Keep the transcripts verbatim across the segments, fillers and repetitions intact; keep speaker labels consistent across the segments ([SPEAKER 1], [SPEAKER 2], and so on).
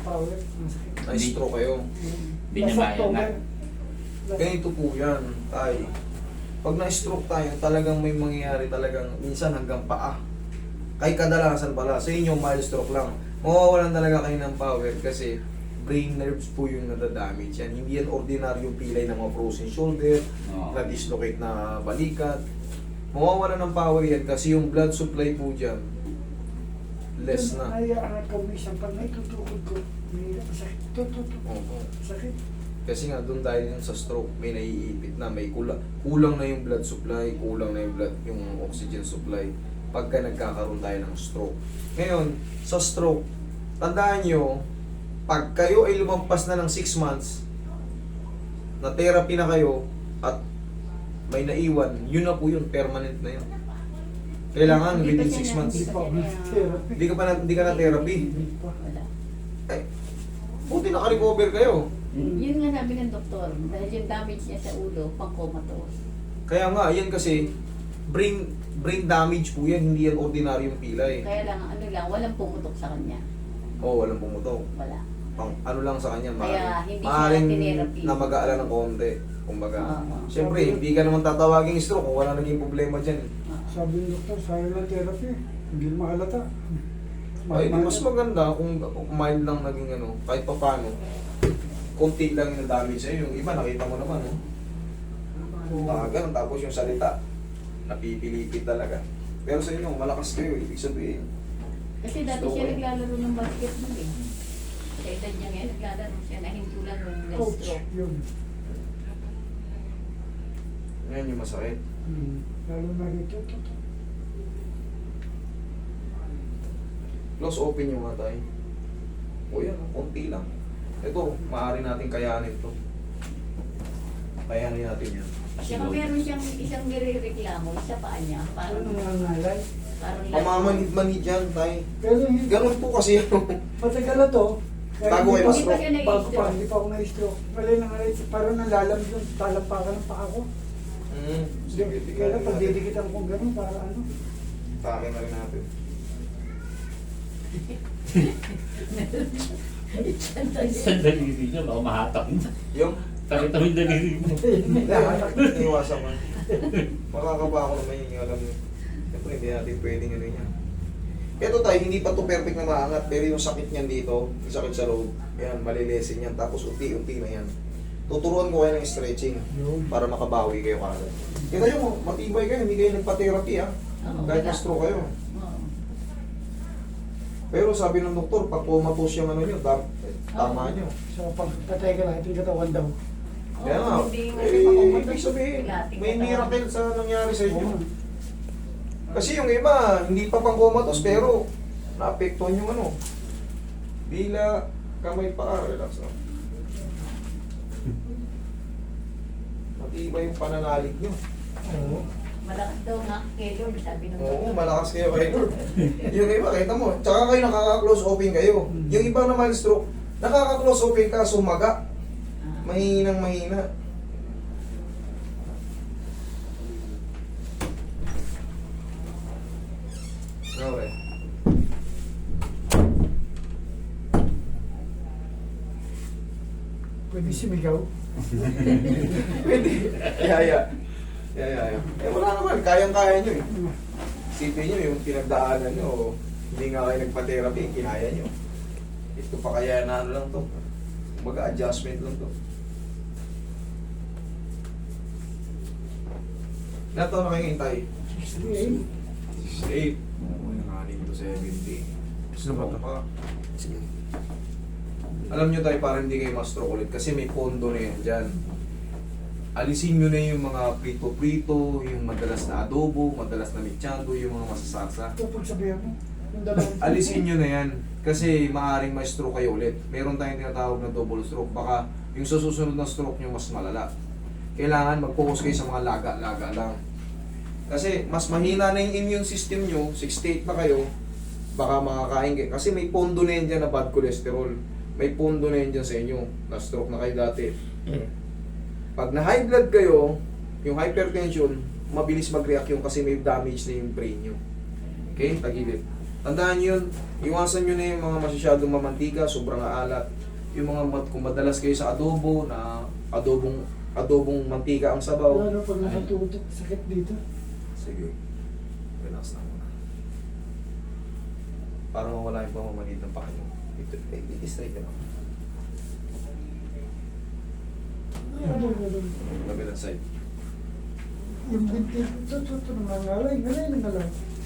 [SPEAKER 1] power. Masakit.
[SPEAKER 2] Na-stroke kayo.
[SPEAKER 3] Hindi niya kaya na.
[SPEAKER 2] Ganito po yan, tay. Pag na-stroke tayo, talagang may mangyayari talagang minsan hanggang paa. Kay kadalasan pala, sa inyo mild stroke lang. Mawawalan talaga kayo ng power kasi brain nerves po yung nadadamage yan. Hindi yan ordinaryong pilay ng mga frozen shoulder,
[SPEAKER 3] Oo.
[SPEAKER 2] na-dislocate na balikat. Mawawalan ng power yan kasi yung blood supply po dyan, less na.
[SPEAKER 1] Ay, angat ko minsan pag naitutukod ko, may masakit. Tututok.
[SPEAKER 2] Oo.
[SPEAKER 1] Sakit.
[SPEAKER 2] Kasi nga doon dahil yun sa stroke, may naiipit na, may kulang, kulang na yung blood supply, kulang na yung blood, yung oxygen supply pagka nagkakaroon tayo ng stroke. Ngayon, sa stroke, tandaan nyo, pag kayo ay lumampas na ng six months, na therapy na kayo, at may naiwan, yun na po yun, permanent na yun. Kailangan
[SPEAKER 4] Hindi pa
[SPEAKER 2] within
[SPEAKER 4] siya
[SPEAKER 2] six
[SPEAKER 4] na-
[SPEAKER 2] months.
[SPEAKER 1] Hindi pa ako nag-therapy.
[SPEAKER 2] Hindi ka pa na, hindi ka na therapy.
[SPEAKER 1] Hindi pa.
[SPEAKER 4] Wala.
[SPEAKER 2] Ay, buti naka-recover kayo.
[SPEAKER 4] Yun nga sabi ng doktor, dahil yung damage niya sa ulo, pang comatose.
[SPEAKER 2] Kaya nga, yan kasi, brain brain damage po yan, hindi yan ordinaryong pilay.
[SPEAKER 4] Kaya lang, ano lang, walang pumutok sa kanya.
[SPEAKER 2] Oo, oh, walang pumutok.
[SPEAKER 4] Wala.
[SPEAKER 2] Pang, ano lang sa kanya,
[SPEAKER 4] Kaya
[SPEAKER 2] maaaring,
[SPEAKER 4] hindi siya
[SPEAKER 2] maaaring
[SPEAKER 4] tinherapy.
[SPEAKER 2] na mag-aala ng konti. Kumbaga,
[SPEAKER 4] Oo.
[SPEAKER 2] siyempre, hindi ka naman tatawaging stroke kung wala naging problema dyan.
[SPEAKER 1] Sabi ng doktor, sayang ng therapy. Hindi mahalata.
[SPEAKER 2] Ay, di mas maganda kung, kung mild lang naging ano, kahit pa paano, konti lang yung damage sa'yo. Yung iba, nakita mo naman, no? Tagan, tapos yung salita, napipilipit talaga. Pero sa inyo, malakas kayo, ibig sabihin.
[SPEAKER 4] Kasi dati
[SPEAKER 2] So,
[SPEAKER 4] siya
[SPEAKER 2] eh.
[SPEAKER 4] naglalaro ng basketball eh. Sa edad niya ngayon, naglalaro siya, nahintulan ng
[SPEAKER 1] Coach,
[SPEAKER 4] stroke.
[SPEAKER 1] yun.
[SPEAKER 2] Ngayon yung masakit.
[SPEAKER 1] Hmm. Lalo na ito, ito, ito.
[SPEAKER 2] Close open yung mga tayo. O yan, konti lang. Ito, maaari natin kayanin to. Kayanin natin yan.
[SPEAKER 4] Saka meron siyang isang nire-reklamo sa paa niya.
[SPEAKER 1] Ano
[SPEAKER 4] Parang,
[SPEAKER 1] nangangalay?
[SPEAKER 4] parang
[SPEAKER 2] Pamamanid-manid yan, tayo.
[SPEAKER 1] Pero hindi.
[SPEAKER 2] Ganun po kasi yun.
[SPEAKER 1] Matagal na to. Kaya
[SPEAKER 2] Bago
[SPEAKER 1] hindi
[SPEAKER 2] kayo
[SPEAKER 1] pa-
[SPEAKER 2] ma-stroke.
[SPEAKER 4] Hindi pa siya
[SPEAKER 1] Bago pa,
[SPEAKER 4] nag-stroke.
[SPEAKER 1] hindi pa ako na-stroke. Wala na nga rin. Parang nalalam yung talampakan ng paa ko.
[SPEAKER 2] Mm, sige,
[SPEAKER 1] Kaya
[SPEAKER 2] tingnan
[SPEAKER 1] lang, pag
[SPEAKER 2] natin.
[SPEAKER 1] didikitan ko gano'n, para ano.
[SPEAKER 2] Takin na rin natin.
[SPEAKER 3] Sa daliri niya, baka mahatak na.
[SPEAKER 2] Yung,
[SPEAKER 3] Takita mo yung daliri mo.
[SPEAKER 1] Lahat.
[SPEAKER 2] iniwasan ko. Makakaba ako naman yun, yung alam niyo. Siyempre, hindi natin pwedeng ano yan. Ito tayo, hindi pa to perfect na maangat, pero yung sakit niyan dito, yung sakit sa loob, yan, malilesin yan, tapos unti-unti na yan. Tuturuan ko kayo ng stretching
[SPEAKER 1] Yun.
[SPEAKER 2] para makabawi kayo kagad. Kita nyo, matibay kayo, hindi kayo nagpa-therapy ha.
[SPEAKER 4] Oo,
[SPEAKER 2] Kahit
[SPEAKER 4] wala.
[SPEAKER 2] na-stroke kayo.
[SPEAKER 4] Oo.
[SPEAKER 2] Pero sabi ng doktor, pag comatose yung ano nyo, tam- eh, tama nyo.
[SPEAKER 1] So, pag patay ka lang, ito yung katawan daw.
[SPEAKER 2] Kaya nga,
[SPEAKER 4] Oo, hindi nga
[SPEAKER 2] eh,
[SPEAKER 4] siya makapunta
[SPEAKER 2] ibig
[SPEAKER 4] sa
[SPEAKER 2] sabihin,
[SPEAKER 4] lating
[SPEAKER 2] may
[SPEAKER 4] katawan.
[SPEAKER 2] miracle sa nangyari sa inyo.
[SPEAKER 1] Oo.
[SPEAKER 2] Kasi yung iba, hindi pa pang comatose, pero naapektuhan yung ano. Bila, kamay pa, relax lang. Matibay yung pananalig nyo.
[SPEAKER 1] Oo.
[SPEAKER 4] Malakas daw nga kay Lord, sabi ng
[SPEAKER 2] Oo,
[SPEAKER 4] doktor.
[SPEAKER 2] malakas kayo kay Lord. Yung iba, kita mo, tsaka kayo nakaka-close open kayo. Yung iba naman stroke, nakaka-close open ka, sumaga.
[SPEAKER 4] Ah.
[SPEAKER 2] Mahinang mahina. Okay.
[SPEAKER 1] Pwede sumigaw.
[SPEAKER 2] Pwede. Yaya. Yaya, yaya. Eh wala naman, kayang-kaya nyo eh. Isipin nyo yung pinagdaanan nyo, hindi nga kayo nagpa-therapy, kinaya nyo. Ito pa kaya na ano lang to. Kumbaga adjustment lang to. Ilan taon na kayo hintay?
[SPEAKER 1] sixty-eight.
[SPEAKER 2] sixty-eight. Nanganin to seventy.
[SPEAKER 5] Sino ba to?
[SPEAKER 2] Pa. Alam nyo tayo para hindi kayo ma-stroke ulit kasi may pondo na yan dyan. Alisin nyo na yung mga prito-prito, yung madalas na adobo, madalas na mechado, yung mga masasarsa.
[SPEAKER 1] Ito pag sabihan mo, yung dalawang...
[SPEAKER 2] Alisin nyo na yan kasi maaaring ma-stroke kayo ulit. Meron tayong tinatawag na double stroke. Baka yung sa susunod na stroke nyo mas malala. Kailangan mag-focus kayo sa mga laga-laga lang. Kasi mas mahina na yung immune system nyo, sixty-eight na kayo, baka makakain kayo. Kasi may pondo na yan dyan na bad cholesterol. May pondo na yan dyan sa inyo. Na-stroke na kayo dati. Pag na-high blood kayo, yung hypertension, mabilis mag-react yung kasi may damage na yung brain nyo. Okay? Tagilid. Tandaan nyo yun, iwasan nyo na yung mga masyadong mamantika, sobrang aalat. Yung mga mat, kung madalas kayo sa adobo, na adobong adobong mantika ang sabaw.
[SPEAKER 1] Lalo pag nakatutok, sakit dito.
[SPEAKER 2] Sige, relax na muna. Para mawala yung pamamanid ng paa nyo. Ito, eh, i-straight nyo lang.
[SPEAKER 1] Ano, ano,
[SPEAKER 2] Kabilang side.
[SPEAKER 1] yung binti, ito, ito, ito, nangalay, ngalay, nangalay.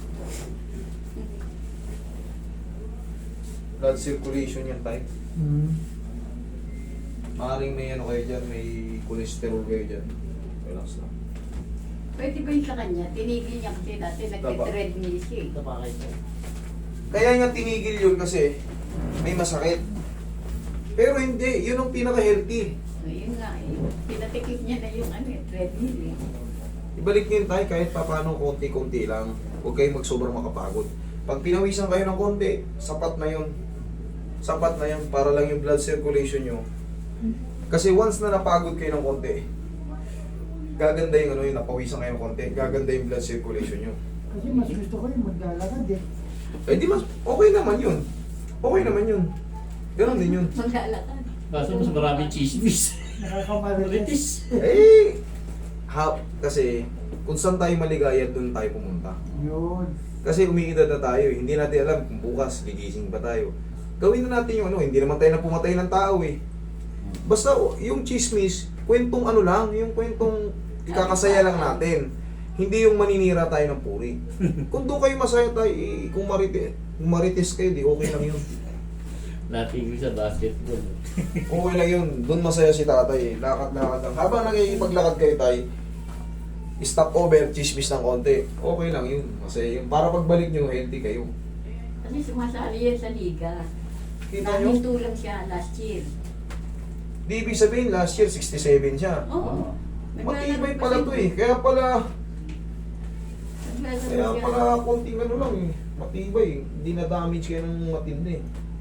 [SPEAKER 2] Blood circulation yan tayo.
[SPEAKER 1] Hmm.
[SPEAKER 2] Maaaring may ano kayo dyan, may cholesterol kayo dyan. Relax lang.
[SPEAKER 4] Pwede ba yung sa kanya? Tinigil niya kasi dati nagte-treadmill siya eh.
[SPEAKER 3] Napakay ko.
[SPEAKER 2] Kaya nga tinigil yun kasi may masakit. Pero hindi, yun ang pinaka-healthy.
[SPEAKER 4] So, yun nga eh. Pinatikip niya na yung ano, eh, treadmill eh.
[SPEAKER 2] Ibalik nyo yun tayo kahit papano konti-konti lang. Huwag kayong magsobrang makapagod. Pag pinawisan kayo ng konti, sapat na yun. Sapat na yun para lang yung blood circulation nyo. Kasi once na napagod kayo ng konti, gaganda yung ano yung napawisan kayo ng konti, gaganda yung blood circulation nyo.
[SPEAKER 1] Kasi mas gusto ko yung maglalakad eh.
[SPEAKER 2] Eh di mas, okay naman yun. Okay naman yun. Ganon din yun.
[SPEAKER 4] Maglalakad.
[SPEAKER 3] Kaso mas maraming chismis.
[SPEAKER 1] Nakakamarites.
[SPEAKER 3] Marites.
[SPEAKER 2] Eh, ha, kasi kung saan tayo maligaya, doon tayo pumunta.
[SPEAKER 1] Yun.
[SPEAKER 2] Kasi umiidad na tayo, eh. Hindi natin alam kung bukas gigising pa tayo. Gawin na natin yung ano, hindi naman tayo na pumatay ng tao eh. Basta o, yung chismis, kwentong ano lang, yung kwentong ikakasaya lang natin. Hindi yung maninira tayo ng puri. Kung doon kayo masaya tayo, eh, kung, marite, kung marites kayo, di okay lang yun.
[SPEAKER 3] Natigil sa basketball.
[SPEAKER 2] Okay lang yun. Doon masaya si tatay. Lakad-lakad lang. Habang nakikipaglakad kayo tayo, stop over, chismis ng konti. Okay lang yun. Masaya yun. Para pagbalik nyo, healthy kayo.
[SPEAKER 4] Kasi sumasali yan sa liga.
[SPEAKER 2] Kita nyo?
[SPEAKER 4] Nahinto lang siya last year.
[SPEAKER 2] Di ibig sabihin, last year, sixty-seven siya.
[SPEAKER 4] Oo.
[SPEAKER 2] Matibay pala to eh. Kaya pala,
[SPEAKER 4] Naglalaro
[SPEAKER 2] kaya
[SPEAKER 4] siya.
[SPEAKER 2] pala konting ano lang eh. Matibay. Hindi na-damage kayo ng matindi.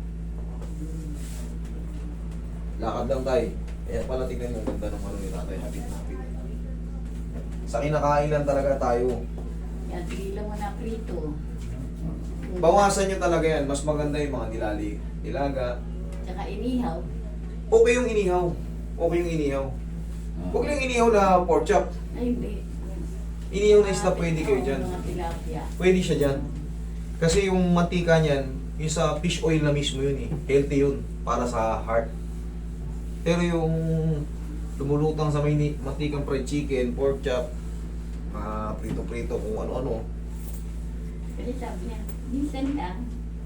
[SPEAKER 2] Lakad lang tayo. Kaya pala tingnan mo, ganda ng ano ni tatay. Hapit-hapit. Sa kinakain lang talaga tayo.
[SPEAKER 4] Yan, tigilan mo na prito.
[SPEAKER 2] Bawasan nyo talaga yan. Mas maganda yung mga nilali. Nilaga.
[SPEAKER 4] Tsaka inihaw.
[SPEAKER 2] Okay yung inihaw. Okay yung inihaw. Huwag lang inihaw na pork chop.
[SPEAKER 4] Ay, hindi.
[SPEAKER 2] Inihaw na isda pwede kayo dyan.
[SPEAKER 4] Mga tilapia.
[SPEAKER 2] Pwede siya dyan. Kasi yung mantika niyan, yung sa fish oil na mismo yun eh. Healthy yun. Para sa heart. Pero yung lumulutang sa may ni- mantikang fried chicken, pork chop, mga prito-prito, kung ano-ano.
[SPEAKER 4] Kasi sabi niya, minsan lang.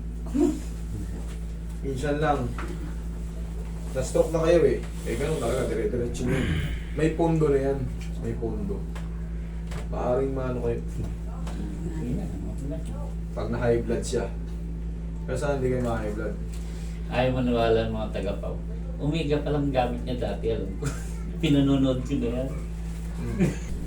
[SPEAKER 2] Minsan lang. Na-stroke na kayo eh. Eh ganun talaga, dire-diretso yun. May pondo na yan. May pondo. Maaring maano kayo. Pag na-high blood siya. Pero saan hindi kayo ma-high blood?
[SPEAKER 3] Ayaw maniwala ng mga taga-paw. Umiga pa lang gamit niya dati, alam ko. Pinanonood ko na yan.
[SPEAKER 2] Hmm.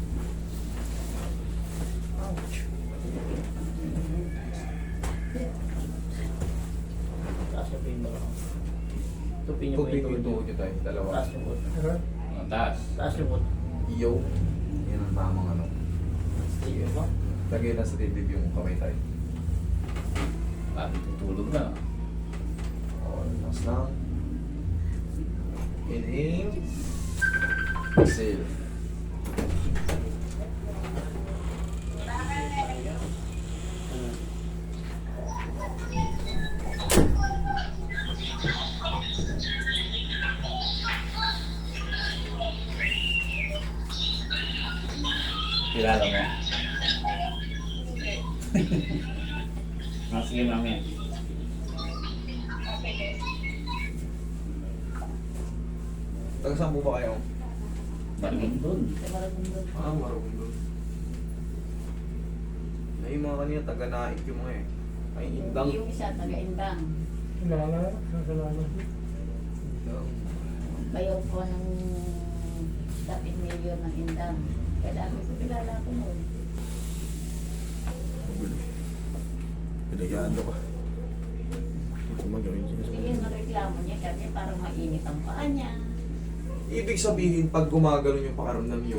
[SPEAKER 5] Taas yung mo. Tupin niyo po
[SPEAKER 2] Tupin
[SPEAKER 5] yung
[SPEAKER 2] yung
[SPEAKER 5] tuhod
[SPEAKER 2] tuhod nyo tayo. Dalawa.
[SPEAKER 5] Taas yung butt.
[SPEAKER 3] Ang taas.
[SPEAKER 5] Taas yung butt.
[SPEAKER 2] Yo. Yan ang tamang ano.
[SPEAKER 5] Sige po.
[SPEAKER 2] Lagay na sa dibdib yung kamay tayo.
[SPEAKER 3] Bakit tutulog na?
[SPEAKER 2] O, mas lang. Inhale. Exhale.
[SPEAKER 3] Kilala mo? Ah, sige, mami.
[SPEAKER 2] Taga saan po ba kayo?
[SPEAKER 3] Maraming doon.
[SPEAKER 4] Sa Maragondon.
[SPEAKER 2] Ah, Maragondon. Na yung mga kanina, taga Naik yung mga eh. Ay, Indang.
[SPEAKER 4] Yung isa, taga-indang.
[SPEAKER 1] Kilala, kakilala.
[SPEAKER 2] Indang.
[SPEAKER 4] Bayaw po ng dating mayor ng indang. Kaya dami ko kilala ko noon.
[SPEAKER 2] Pinagyan ka.
[SPEAKER 4] Hindi yun ang reklamo niya kasi parang mainit ang paa niya.
[SPEAKER 2] Ibig sabihin, pag gumagano yung pakaramdam nyo,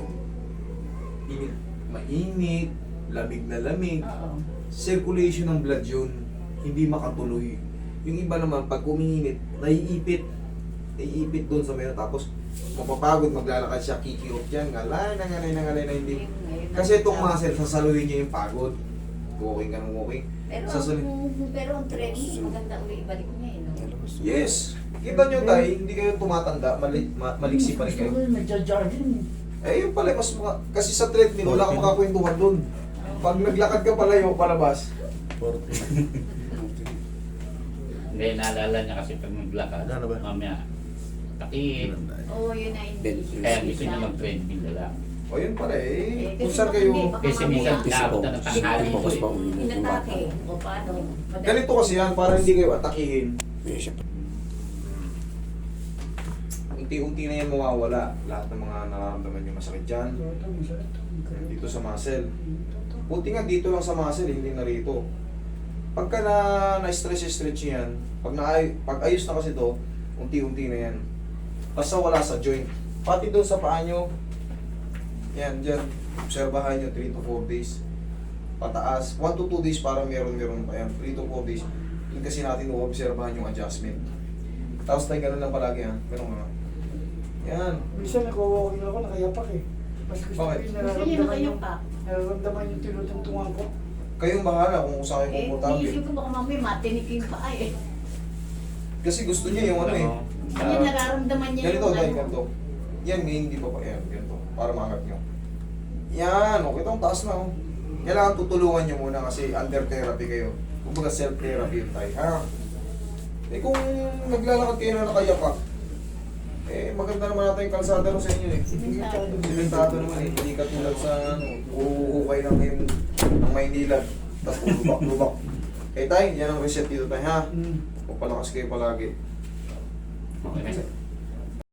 [SPEAKER 2] init, mainit, lamig na lamig,
[SPEAKER 4] Oo.
[SPEAKER 2] circulation ng blood yun. hindi makatuloy. Yung iba naman, pag umiinit, naiipit. Naiipit doon sa meron. Tapos, mapapagod, maglalakad siya, kikirot yan, ngalay, nangalay, nangalay na hindi. Kasi itong muscle, sasaluhin niya yung pagod. Walking ka ng walking.
[SPEAKER 4] Pero,
[SPEAKER 2] Sasali-
[SPEAKER 4] ang, pero ang training, maganda uli ibalik niya eh, no?
[SPEAKER 2] Yes! Kita nyo tayo, hindi kayo tumatanda, mali, ma, maliksi pa rin kayo.
[SPEAKER 1] Gusto ko yung nagja-jogging.
[SPEAKER 2] Eh, yun pala, mas mga, kasi sa treadmill, wala kang makakwentuhan doon. Pag naglakad ka palayo, palabas.
[SPEAKER 3] Hindi, naalala niya kasi pag maglakad,
[SPEAKER 6] Ano ba?
[SPEAKER 3] mamaya, takiin.
[SPEAKER 4] Oo, yun na hindi.
[SPEAKER 3] Kaya gusto niya mag-treadmill na lang.
[SPEAKER 2] O yun pala eh,
[SPEAKER 4] Eh,
[SPEAKER 2] kung
[SPEAKER 4] kasi
[SPEAKER 2] saan
[SPEAKER 4] baka
[SPEAKER 2] kayo...
[SPEAKER 4] hindi, baka
[SPEAKER 3] Kasi minsan
[SPEAKER 4] mamaya-
[SPEAKER 3] naabot na ng tanghali ko
[SPEAKER 6] Focus pa
[SPEAKER 3] eh.
[SPEAKER 6] uwi ng
[SPEAKER 4] Inatake.
[SPEAKER 6] bata.
[SPEAKER 4] O paano? Madali-
[SPEAKER 2] Ganito kasi yan, para hindi kayo atakihin.
[SPEAKER 6] Eh, siya.
[SPEAKER 2] Unti-unti na yan mawawala. Lahat ng mga nararamdaman nyo masakit dyan.
[SPEAKER 1] Ito, masakit.
[SPEAKER 2] Dito sa muscle. Buti nga dito lang sa muscle, hindi na rito. Pagka na na-stretch-stretch yan, pag, na, pag ayos na kasi to, unti-unti na yan. Basta wala sa joint. Pati doon sa paa nyo, yan, dyan. Obserbahan nyo, three to four days. Pataas. one to two days para meron-meron pa yan. three to four days. Yun kasi natin uobserbahan yung adjustment. Tapos tayo ganun lang palagi ha. Ganun nga. Yan.
[SPEAKER 1] Minsan nag-walking ako, nakayapak eh. Mas gusto ko
[SPEAKER 2] Bakit?
[SPEAKER 1] yung
[SPEAKER 4] Gusto niya na
[SPEAKER 1] nararamdaman
[SPEAKER 4] kayo
[SPEAKER 1] yung,
[SPEAKER 4] pa.
[SPEAKER 1] nararamdaman yung tinutungtungan ko.
[SPEAKER 2] Kayong bahala kung saan kayo
[SPEAKER 4] Eh,
[SPEAKER 2] komportable.
[SPEAKER 4] iisip ko baka mamaya matinik yung paa eh.
[SPEAKER 2] Kasi gusto niya yung ano eh.
[SPEAKER 4] Ano
[SPEAKER 2] Ah,
[SPEAKER 4] nararamdaman niya
[SPEAKER 2] ganito,
[SPEAKER 4] yung
[SPEAKER 2] dahil
[SPEAKER 4] ano.
[SPEAKER 2] ganito. Yan, may hindi pa pa. Yan, ganito. Para maangat nyo. Yan, okay. Itong taas na. Oh. Kailangan tutulungan nyo muna kasi under therapy kayo. Kumbaga self-therapy yung tayo. Ha? Eh kung naglalakad kayo na nakayapak, eh maganda naman natin yung kalsada no sa inyo eh.
[SPEAKER 4] Simentado.
[SPEAKER 2] Simentado naman eh. Hindi katulad sa ano, uhukay lang kayo ng Maynila. Tapos lubak-lubak. Eh tayo, yan ang reset dito tayo ha.
[SPEAKER 1] Mm.
[SPEAKER 2] Pagpalakas kayo palagi.
[SPEAKER 3] Okay.